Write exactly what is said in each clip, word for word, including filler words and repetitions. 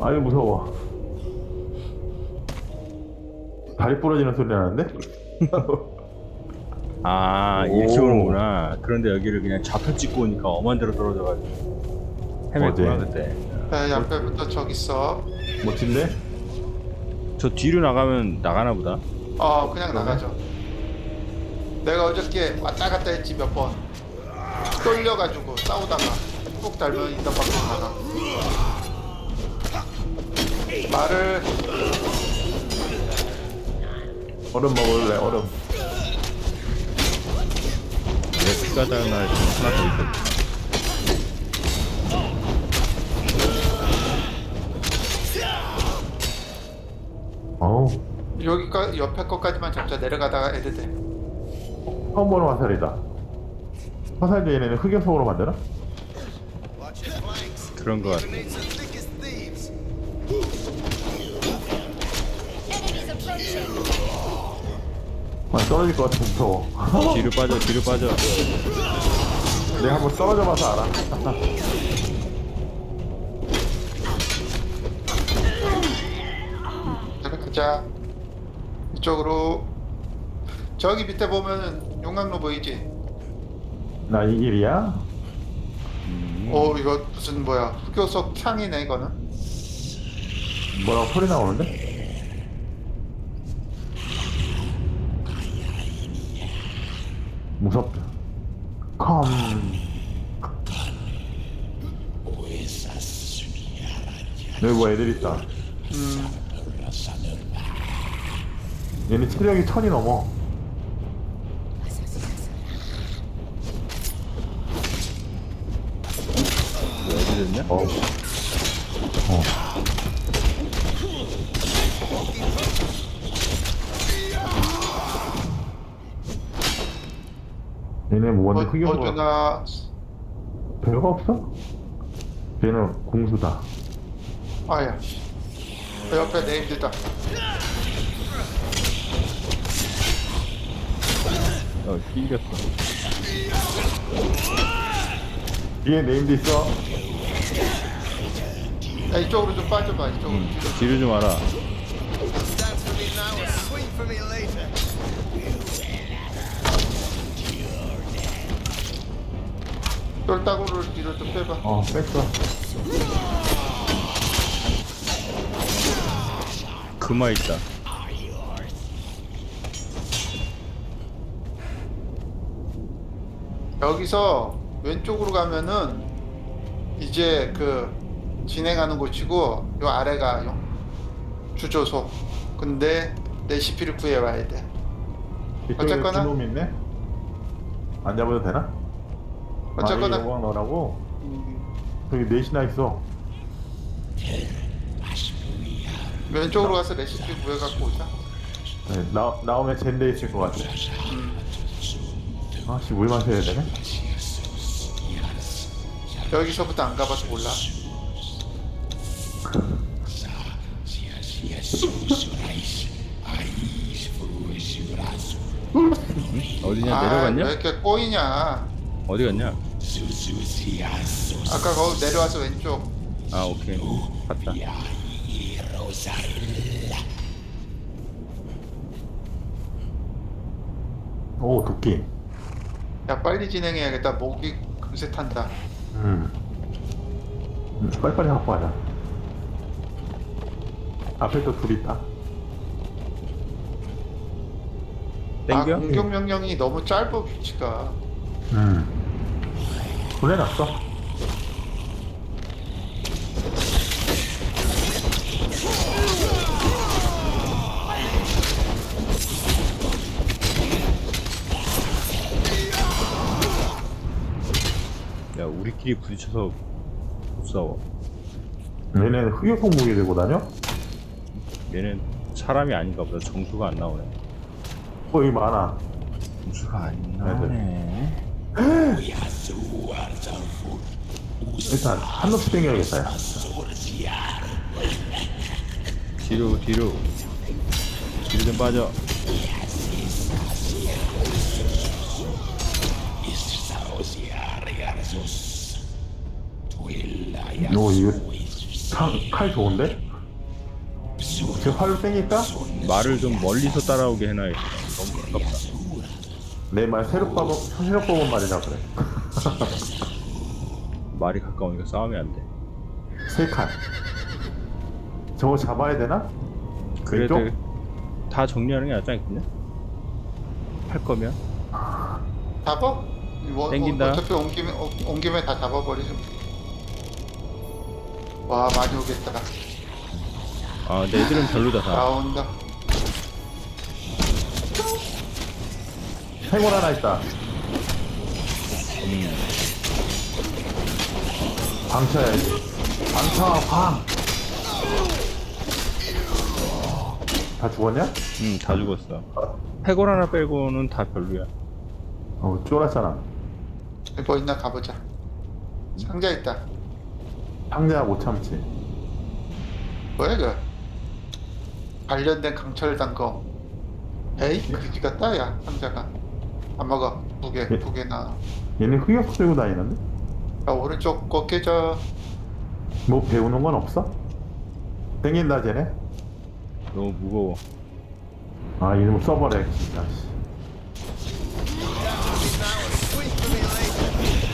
아유 무서워. 다리 부러지는 소리 나는데? 아 오. 이렇게 오는구나. 그런데 여기를 그냥 좌표 찍고 오니까 엄한 데로 떨어져가지고 헤맸구나 어제. 그때. 야, 옆에부터 저기 있어. 멋진데? 저 뒤로 나가면 나가나 보다. 어, 그냥 나가죠. 내가 어저께 왔다 갔다 했지 몇 번. 떨려가지고 싸우다가 꾹 달면 이따 밖으로 나가. 말을 얼음 먹을래 얼음. 내 피가 닿은 날 하나 더 있거든. 어우 여기까 옆에 것까지만 잡자. 내려가다가 애들 돼. 처음 보는 화살이다. 화살 얘네는 흑염소로 만드나? 그런 거 같아. Enemies approaching. 아 떨어질 것 같아 무서워. 뒤로 빠져 뒤로 빠져. 내가 한번 떨어져 봐서 알아. 내려가자. 이쪽으로. 저기 밑에 보면은 용광로 보이지? 나 이 길이야? 어, 이거 무슨 뭐야? 흑요석 향이네 이거는. 뭐라고 소리 나오는데? 무섭다. 컴. 여기 뭐 애들 있다. 음, 얘네 체력이 천이 넘어. 왜 어디 됐냐? 어. 어. 얘네 뭐 완전 어, 흑염소. 어디나. 별거 없어? 얘는 공수다. 아야. 그 옆에 네임드다. 어 낑겼어. 뒤에 네임드 있어. 야, 이쪽으로 좀 빠져봐. 이쪽으로. 응. 뒤로 좀 와라. Dance for me now or swing for me later. 똘따구를 뒤로 좀 빼봐. 어, 뺐어. 금화 있다. 여기서 왼쪽으로 가면은 이제 그 진행하는 곳이고 요 아래가 요 주조소. 근데 레시피를 구해와야 돼. 이쪽에 어쨌거나. 주놈 있네? 안 잡아도 되나? 어쨌거나. 아니, 여광 넣으라고? 음, 저기 넷이나 있어. 왼쪽으로 가서 레시피 구해갖고 오자. 네, 나, 나오면 젠데 있을 것 같아. 아씨, 물 마셔야 되네? 여기서부터 안 가봐서 몰라. 어디냐 아, 내려갔냐? 왜 이렇게 꼬이냐? 어디 갔냐? 아까 거기 내려와서 왼쪽. 아 오케이 봤다. 오, 도끼. 야, 빨리 진행해야겠다. 목이 금세 탄다. 음. 음, 빨리빨리 갖고 가자. 앞에 또 둘 있다. 아, 땡겨? 공격 명령이 너무 짧아 위치가. 음. 보내놨어. 야 우리끼리 부딪혀서 못 싸워. 얘네는 흑요석 무기 들고 다녀? 얘는 사람이 아닌가 보다. 정수가 안 나오네. 어, 여기 많아. 정수가 안 나오네. 나오네. 일단, 한 놈씩 땡겨야겠다, 야. 뒤로 뒤로 뒤로 좀 빠져. 오, 이거 칼, 칼 좋은데? 제 팔로 땡길까? 말을 좀 멀리서 따라오게 해놔야겠다. 너무 가깝다. 내 말 새로 뽑은 새로 뽑은 말이라 그래. 말이 가까우니까 싸움이 안 돼. 세 칼. 저거 잡아야 되나? 그래도 왼쪽? 다 정리하는 게 낫지 않겠냐? 할 거면 잡아? 뭐, 땡긴다. 어, 어차피 온 김에 어, 온 김에 다 잡아버리죠. 와 많이 오겠다. 아 근데 애들은 별로다 다. 나온다. 해골 하나 있다. 음. 방 쳐야지. 방 쳐, 방! 다 죽었냐? 응, 다 죽었어. 해골 하나 빼고는 다 별로야. 어, 쫄았잖아. 뭐 있나 가보자. 상자 있다. 상자 못 참지. 뭐야 이거? 관련된 강철 단검. 에이 그지 같다 야 상자가. 안 먹어. 두 개, 예. 두 개나. 얘는 흑역 들고 다니는데? 야 오른쪽 거 깨져. 뭐 배우는 건 없어? 땡긴다, 쟤네? 너무 무거워. 아, 이놈 써버려, 진짜. 씨. Sweet for me later.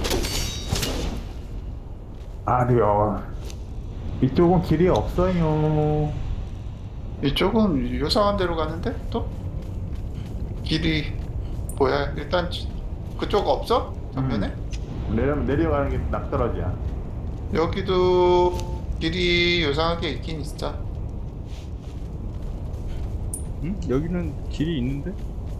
아, 네, 어. 이쪽은 길이 없어요. 이쪽은 요상한 데로 가는데 또? 길이 뭐야? 일단 지- 그쪽 없어? 정면에? 내려, 내려가는 게 낙떨어지야. 여기도 길이 요상하게 있긴 있어. 응? 여기는 길이 있는데?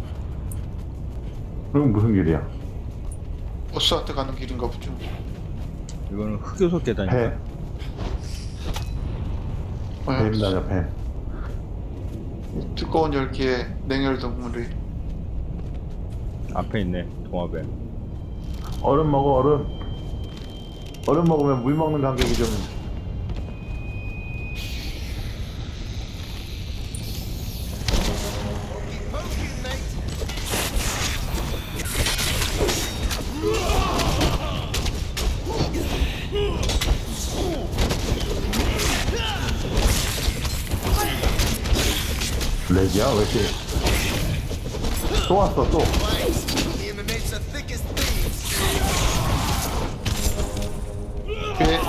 그럼 무슨 길이야? 보스한테 가는 길인가 보죠. 이거는 흑요소 계단이야. 배. 뭐야? 배입니다, 배. 두꺼운 열기에 냉혈 동물이. 앞에 있네, 동화배. 얼음 먹어, 얼음. 얼음 먹으면 물 먹는 간격이 좀. Poking, mate. 렉이야? 왜 이렇게. 또 왔어, 또. Thanks. The inmates are thick as thieves. 배.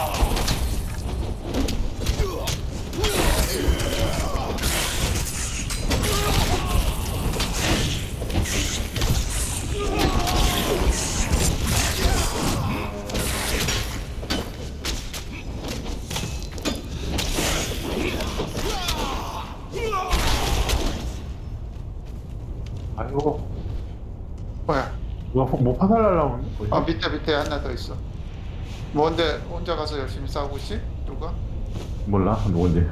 아이고. 뭐야? 누가 뭐, 뭐 파살 날라오는데? 아 밑에 밑에 하나 더 있어. 뭔데 혼자 가서 열심히 싸우고 있지? 누가? 몰라, 누군지.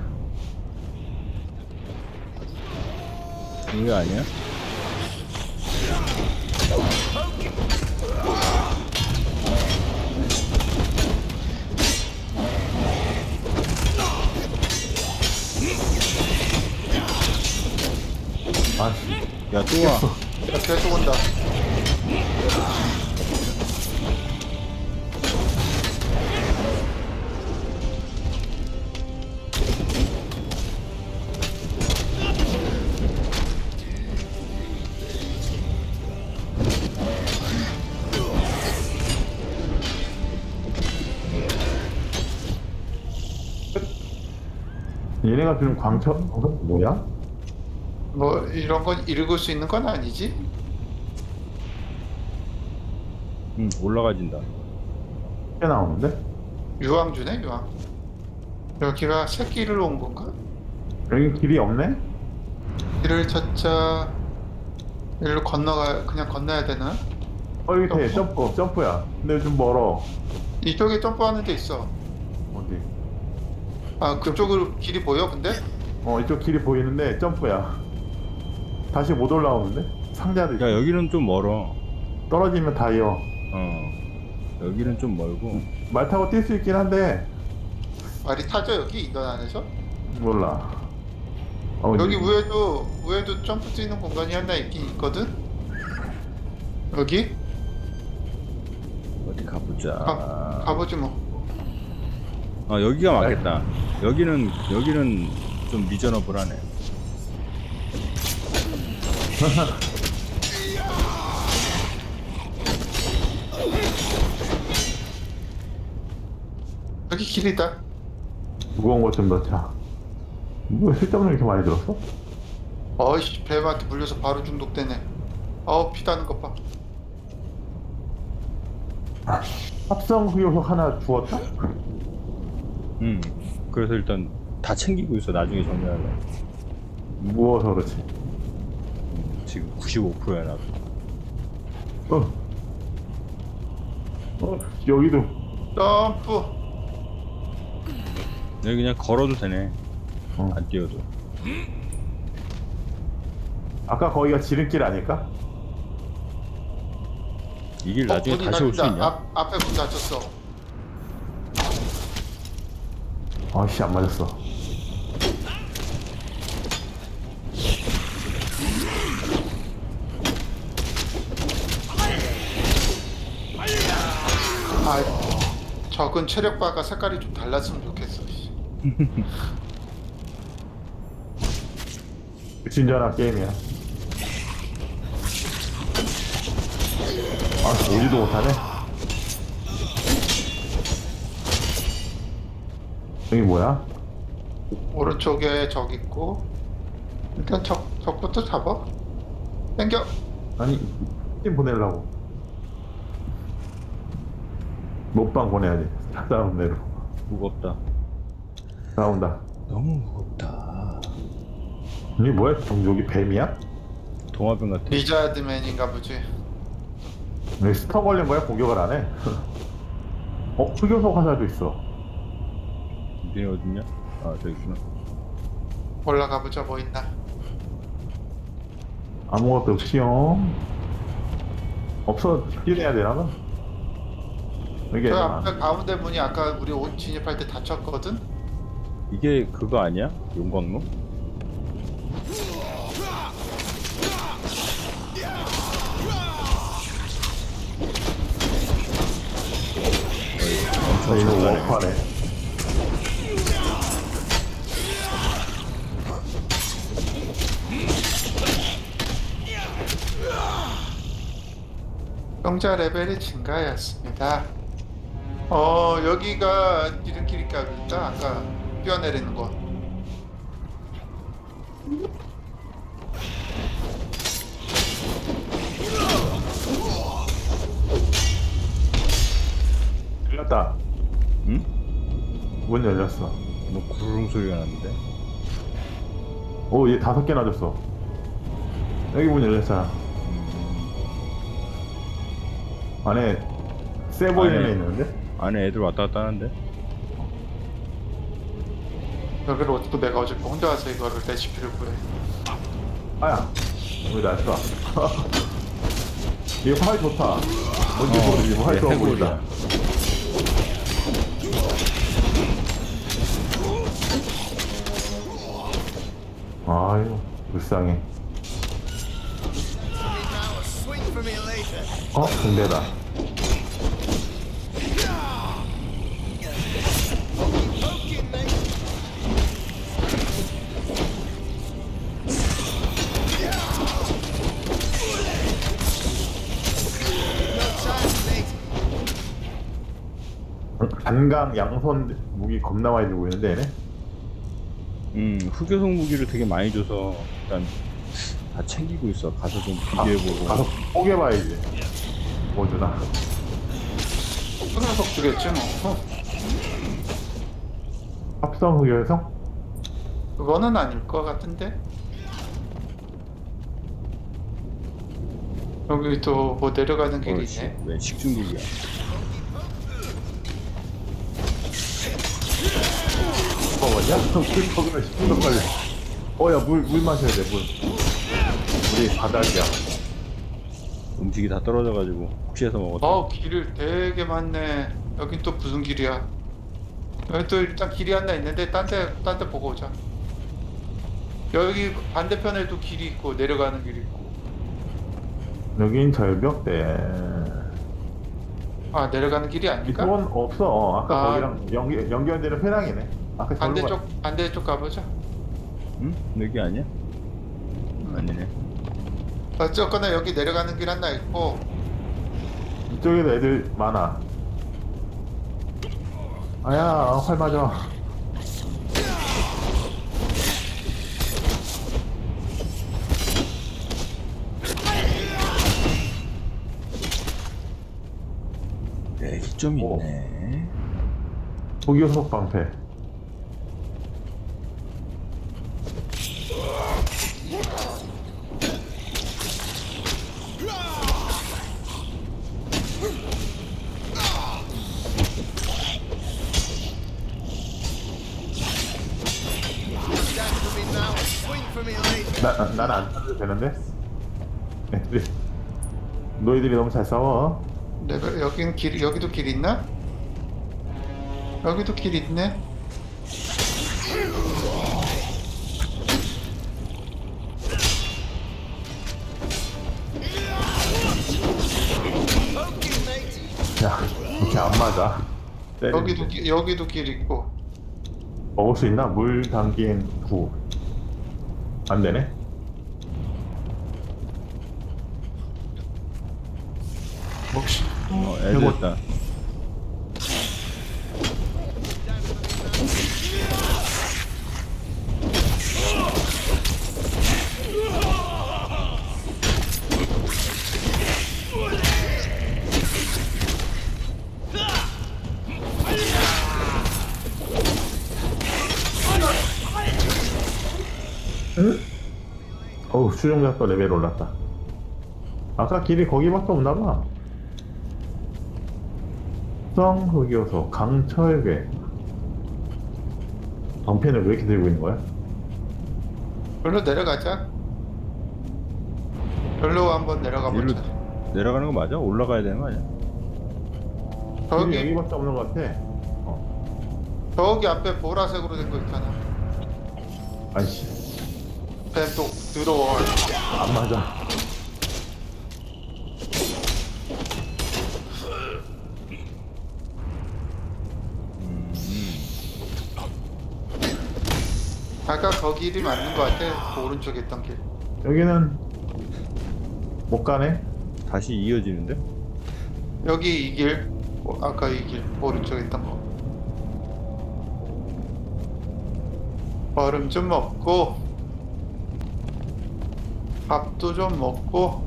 이거 아니야? 아씨. 야, 또 와. 야, 계속 온다. 얘네가 지금 광철, 어, 뭐야? 뭐 이런 건 읽을 수 있는 건 아니지? 응, 올라가진다. 꽤 나오는데? 유황주네 유황. 여기가 새끼를 온 건가? 여기 길이 없네? 길을 찾자. 일로 건너가 그냥 건너야 되나? 어, 여기 돼. 점프? 점프, 점프야. 근데 좀 멀어. 이쪽에 점프하는 데 있어. 어디? 아 그쪽으로 길이 보여 근데? 어, 이쪽 길이 보이는데 점프야. 다시 못 올라오는데? 상자도 있어. 야, 여기는 좀 멀어. 떨어지면 다이어. 어. 여기는 좀 멀고. 말 타고 뛸 수 있긴 한데 말이 타죠 여기 인던 안에서? 몰라. 어, 여기 이제- 위에도 위에도 점프 뛰는 공간이 하나 있긴 있거든? 여기? 어디 가보자. 가, 가보지 뭐. 아 여기가 맞겠다. 여기는 여기는 좀 리저너블하네. 여기 길이다. 무거운 것 좀 넣자. 뭐 실점을 이렇게 많이 들었어? 어이씨, 뱀한테 물려서 바로 중독되네. 어우, 피다는 것 봐. 합성 흑요석 하나 주웠다? 음. 그래서 일단 다 챙기고 있어. 나중에 정리하려. 무어서 그렇지. 지금 구십오 퍼센트야 나도. 어. 어, 여기도. 점프. 여기 그냥 걸어도 되네. 어. 안 뛰어도. 아까 거기가 지름길 아닐까? 이 길 어, 나중에 문이 다시 올 수 닫힌다. 있냐? 앞, 앞에 문 닫혔어. 아씨, 안 맞았어. 아, 적은 체력바가 색깔이 좀 달랐으면 좋겠어. 씨. 진전한 게임이야. 아, 오지도 못하네. 여기 뭐야? 오른쪽에 적 있고. 일단 적, 적부터 잡아. 땡겨. 아니, 팀 보내려고. 못방 보내야지. 다음 내로. 무겁다. 나온다. 너무 무겁다. 이게 뭐야? 종족이 뱀이야? 동화병 같아. 리자드맨인가 보지. 왜 스터 걸린 거야? 공격을 안 해? 어? 흑요석 화살도 있어. 니네 어딨냐? 아 저기 있구나. 올라가 보자. 뭐 있나. 아무것도 없이요. 없어. 뛰어내야 되나 봐. 이게 저 앞에 가운데 문이 아까 우리 옷 진입할 때 닫혔거든? 이게 그거 아니야? 용광로? 어, 이거 워크하네. 병자 레벨이 증가하였습니다. 어, 여기가 기름길인가 보다. 아까 뛰어내리는 거. 열렸다. 응? 문 열렸어. 뭐 구르릉 소리가 났는데. 오, 얘 다섯 개나 줬어. 여기 문 열렸잖아. 안에 세 보이는 안에- 애 있는데? 안에 애들 왔다 갔다 하는데. 여기를 어떻게 내가 어제 혼자 와서 이거를 레시피를 구해. 아야, 왜 날 쏴? 얘 활 좋다. 뭔지 어, 모르지, 활 얘 좋아 해골이야. 보인다. 아유, 불쌍해. Now, swing for me later. 어? 군대다. Poking me. No time, mate. 단강 양손 무기 겁나 많이 들고 있는데 얘네? 음 흑요석 무기를 되게 많이 줘서 일단 다 챙기고 있어. 가서 좀 비교해보고. 가서 뽀개봐야지. 뭐 주나? 흑요석 주겠지 뭐. 어, 합성 흑요석? 그거는 아닐 것 같은데. 여기 또 뭐 내려가는 길이 그렇지. 있네. 왜 식중독이야? 먹었냐? 술 먹으면 식중독 걸려. 어, 야, 물, 물 마셔야 돼, 물. 물이 바닥이야. 음식이 다 떨어져가지고 혹시해서 먹었어. 어, 길을 되게 많네. 여긴 또 무슨 길이야? 여기 또 일단 길이 하나 있는데 딴 데, 딴 데 보고 오자. 여기 반대편에도 길이 있고 내려가는 길이 있고. 여긴 절벽대. 아 내려가는 길이 아닌가? 이쪽은 없어. 어, 아까 아. 거기랑 연결, 연결되는 회랑이네. 아까 절로 가. 반대쪽 반대쪽 가보자. 응? 여기 아니야? 아니네. 어쨌거나 여기 내려가는 길 하나 있고 이쪽에도 애들 많아. 아야, 활 맞아. 네, 좀 오. 있네. 고기요속 방패. Dance for me now, swing for me later. 나, 나, 나는 안 타도 되는데? 애들이. 너희들이 너무 잘 싸워. 레벨 여긴 길 여기도 길 있나? 여기도 길 있네. Okay, matey. 야, 이렇게 안 맞아. 때리는데. 여기도 기, 여기도 길 있고. 먹을 수 있나? 물 담긴 구. 안 되네? 혹시 어, 애들 이거- 있다. 어우, 수정자 또 레벨 올랐다. 아까 길이 거기밖에 없나봐. 성흑요소, 강철괴. 방패는 왜 이렇게 들고 있는 거야? 별로 내려가자. 별로 한번 내려가 일로 보자. 내려가는 거 맞아? 올라가야 되는 거 아니야? 길이 저기 여기밖에 없는 것 같아. 어. 저기 앞에 보라색으로 된 거 있잖아. 아이씨, 뱀또 들어와. 안 맞아. 아까 거 길이 맞는 거 같아. 그 오른쪽에 있던 길. 여기는 못 가네. 다시 이어지는데? 여기 이 길. 어, 아까 이 길. 오른쪽에 있던 거. 얼음 좀 먹고 밥도 좀 먹고.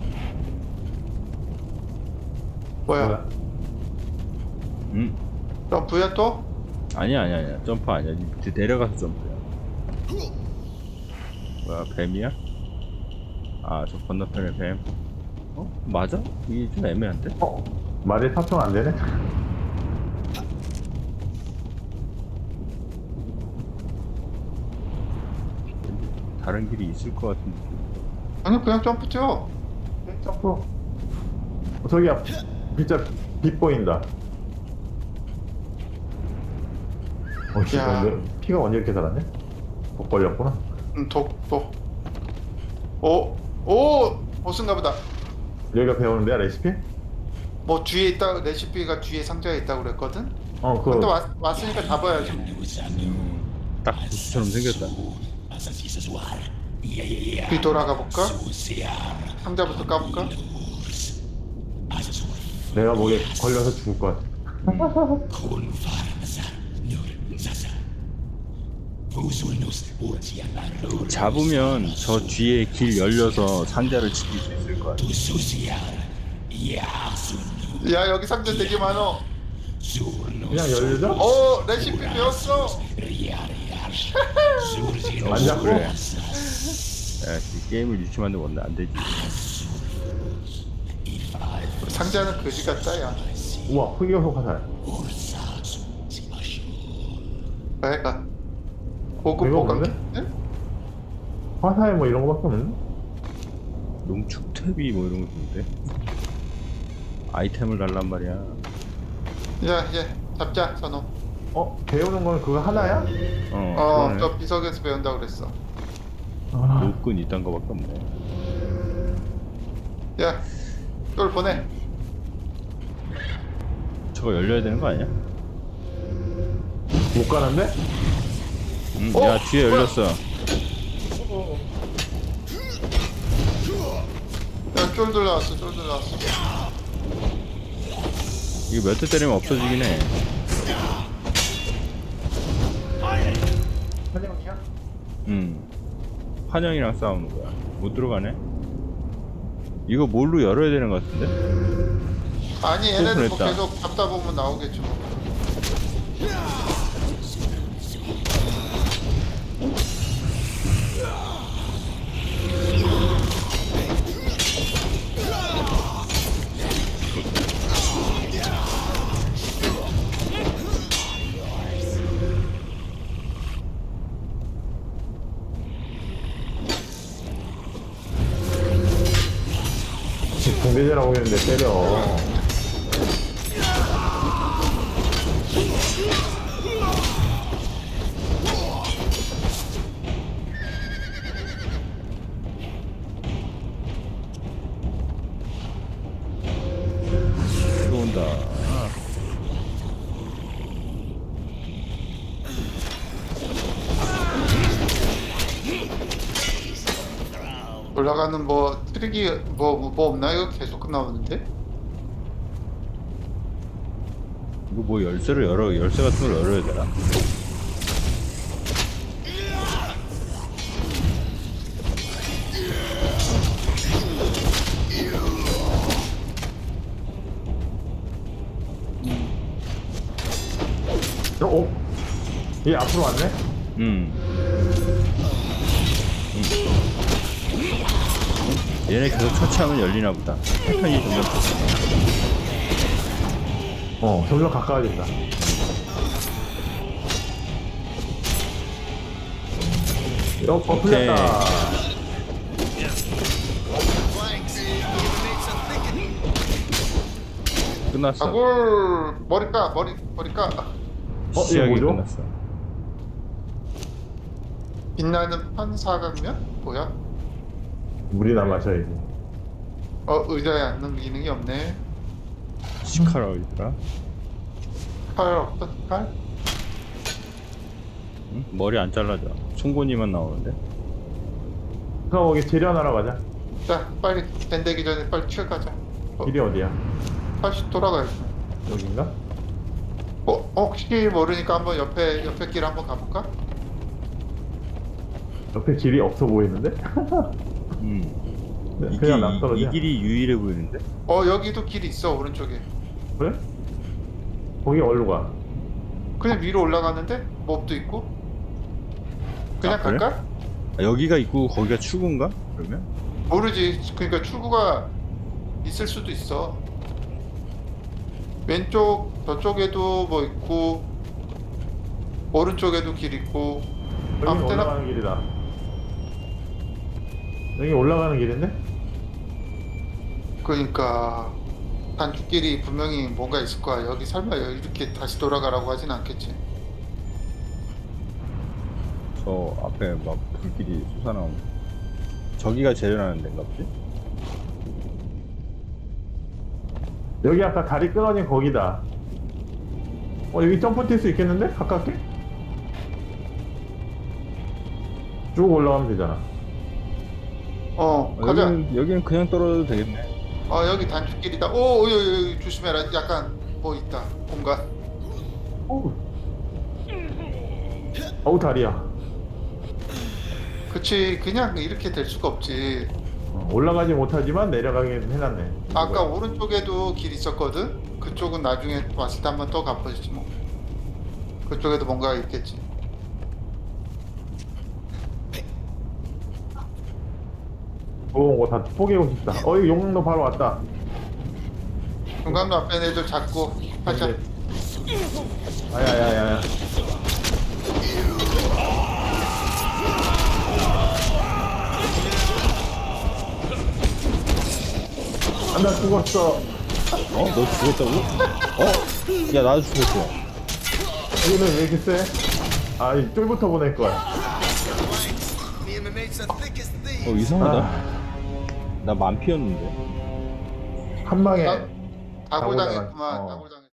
뭐야? 응. 점프야 또? 아니야, 아니야, 아니야. 점프 아니야. 밑에 내려가서 점프야. 뭐야, 뱀이야? 아, 저 건너편에 뱀. 어? 맞아? 이게 좀 애매한데? 어? 말이 탑승 안 되네? 다른 길이 있을 것 같은데. 아니 그냥 점프 뛰어. 점프. 어, 저기야, 진짜 빛 보인다. 어, 씨, 야. 너 피가 언제 이렇게 달았네? 복 걸렸구나. 음, 독, 독. 오, 오, 보스인가 보다. 여기가 배우는 데야, 레시피? 뭐 뒤에 있다, 레시피가 뒤에 상자에 있다고 그랬거든? 어, 그, 근데 왔, 왔으니까 잡아야지. 딱 보스처럼 생겼다. 뒤 돌아가 볼까? 상자부터 까볼까? 내가 목에 걸려서 죽을 것 같아. 잡으면 저 뒤에 길 열려서 상자를 지킬 수 있을 것 같아. 야, 여기 상자 되게 많어. 그냥 열리자? 오, 레시피 배웠어. 안 잡고? 그래. 야, 이 게임을 유치하는데 원래 안 되지. 상자는 거지 같다, 야. 우와, 흑요소 화살. 내가 고급 이거 보관. 뭔데? 네? 화살 뭐 이런 거밖에 없는데? 농축탭이 뭐 이런 거 있는데. 아이템을 달란 말이야. 야, 이제 잡자, 선호. 어? 배우는 거는 그거 하나야? 어, 어, 그러네. 저 비석에서 배운다고 그랬어. 아, 노끈 이딴 거밖에 없네. 야, 이걸 보내. 저거 열려야 되는 거 아니야? 못 가는데? 응, 어? 야 뒤에 열렸어. 야 쫄들 나왔어 쫄들 나왔어. 이거 몇 대 때리면 없어지긴 해. 환영이야? 응. 환영이랑 싸우는 거야. 못 들어가네. 이거 뭘로 열어야 되는 것 같은데? 아니 얘네들 뭐 오픈했다. 계속 잡다 보면 나오겠지 뭐. 공대제라고 했는데 때려. 들어온다. 올라가는 뭐 트릭이 뭐 뭐 없나 이거 계속 나오는데. 이거 뭐 열쇠를 열어, 열쇠 같은 걸 열어야 되나? 어? 어? 얘 앞으로 왔네? 음. 음. 얘네 계속 처치하면 열리나 보다. 패턴이 점점 어, 점점 가까워진다. 어, 어, 풀렸다. Flanks. The enemy's a thicket. 끝났어. 아굴 머리까 머리 머리까 어, 이게 시작이 뭐죠? 끝났어. 빛나는 판사각면 뭐야? 물이나 마셔야지. 어 의자에 앉는 기능이 없네. 시카라고 있더라. 칼 없어 칼? 응? 머리 안 잘라져. 송곳니만 나오는데. 그럼 거기 재련하러 가자. 자 빨리 밴되기 전에 빨리 튀어가자. 어, 길이 어디야? 다시 돌아가야지. 여긴가? 어, 어 혹시 모르니까 한번 옆에 옆에 길 한번 가볼까? 옆에 길이 없어 보이는데? 음. 네, 이게 그냥 이, 낭떠러지야. 이 길이 유일해 보이는데? 어 여기도 길이 있어 오른쪽에. 그래? 거기 어디로 가? 그냥 위로 올라가는데 몹도 있고. 그냥 아, 그래? 갈까? 아, 여기가 있고 거기가 출구인가? 그러면? 모르지. 그러니까 출구가 있을 수도 있어. 왼쪽 저쪽에도 뭐 있고 오른쪽에도 길 있고. 여기 아무 때나 올라가는 길이다. 여기 올라가는 길인데? 그러니까 단축길이 분명히 뭔가 있을 거야. 여기 설마 이렇게 다시 돌아가라고 하진 않겠지. 저 앞에 막 불길이 솟아나오는 저기가 재련하는 데인가 보지? 여기 아까 다리 끊어진 거기다. 어, 여기 점프 뛸 수 있겠는데? 가깝게? 쭉 올라가면 되잖아. 어 어, 가자. 여기는, 여기는 그냥 떨어져도 되겠네. 어 여기 단축길이다. 오 여기, 여기 조심해라. 약간 뭐 있다. 공간. 어우. 어우, 다리야. 그치 그냥 이렇게 될 수가 없지. 어, 올라가지 못하지만 내려가긴 해놨네. 아까 오른쪽에도 길 있었거든. 그쪽은 나중에 왔을 때 한번 또 가보지 뭐. 그쪽에도 뭔가 있겠지. 좋은 거 다 포기하고 싶다. 어, 이 용광로 바로 왔다. 중간로 앞에 애들 잡고 하자. 네. 아야야야. 아, 나 죽었어. 어? 너 죽었다고? 어? 야 나도 죽었어. 이거는 왜 이렇게 세? 아, 이 쫄부터 보낼 거야. Flanks. The enemy's a thick as thieves. 어 이상하다. 아, 나 만피였는데. 한 방에. 다- 다굴 다굴 당했구만. 당한- 어. 다굴 당.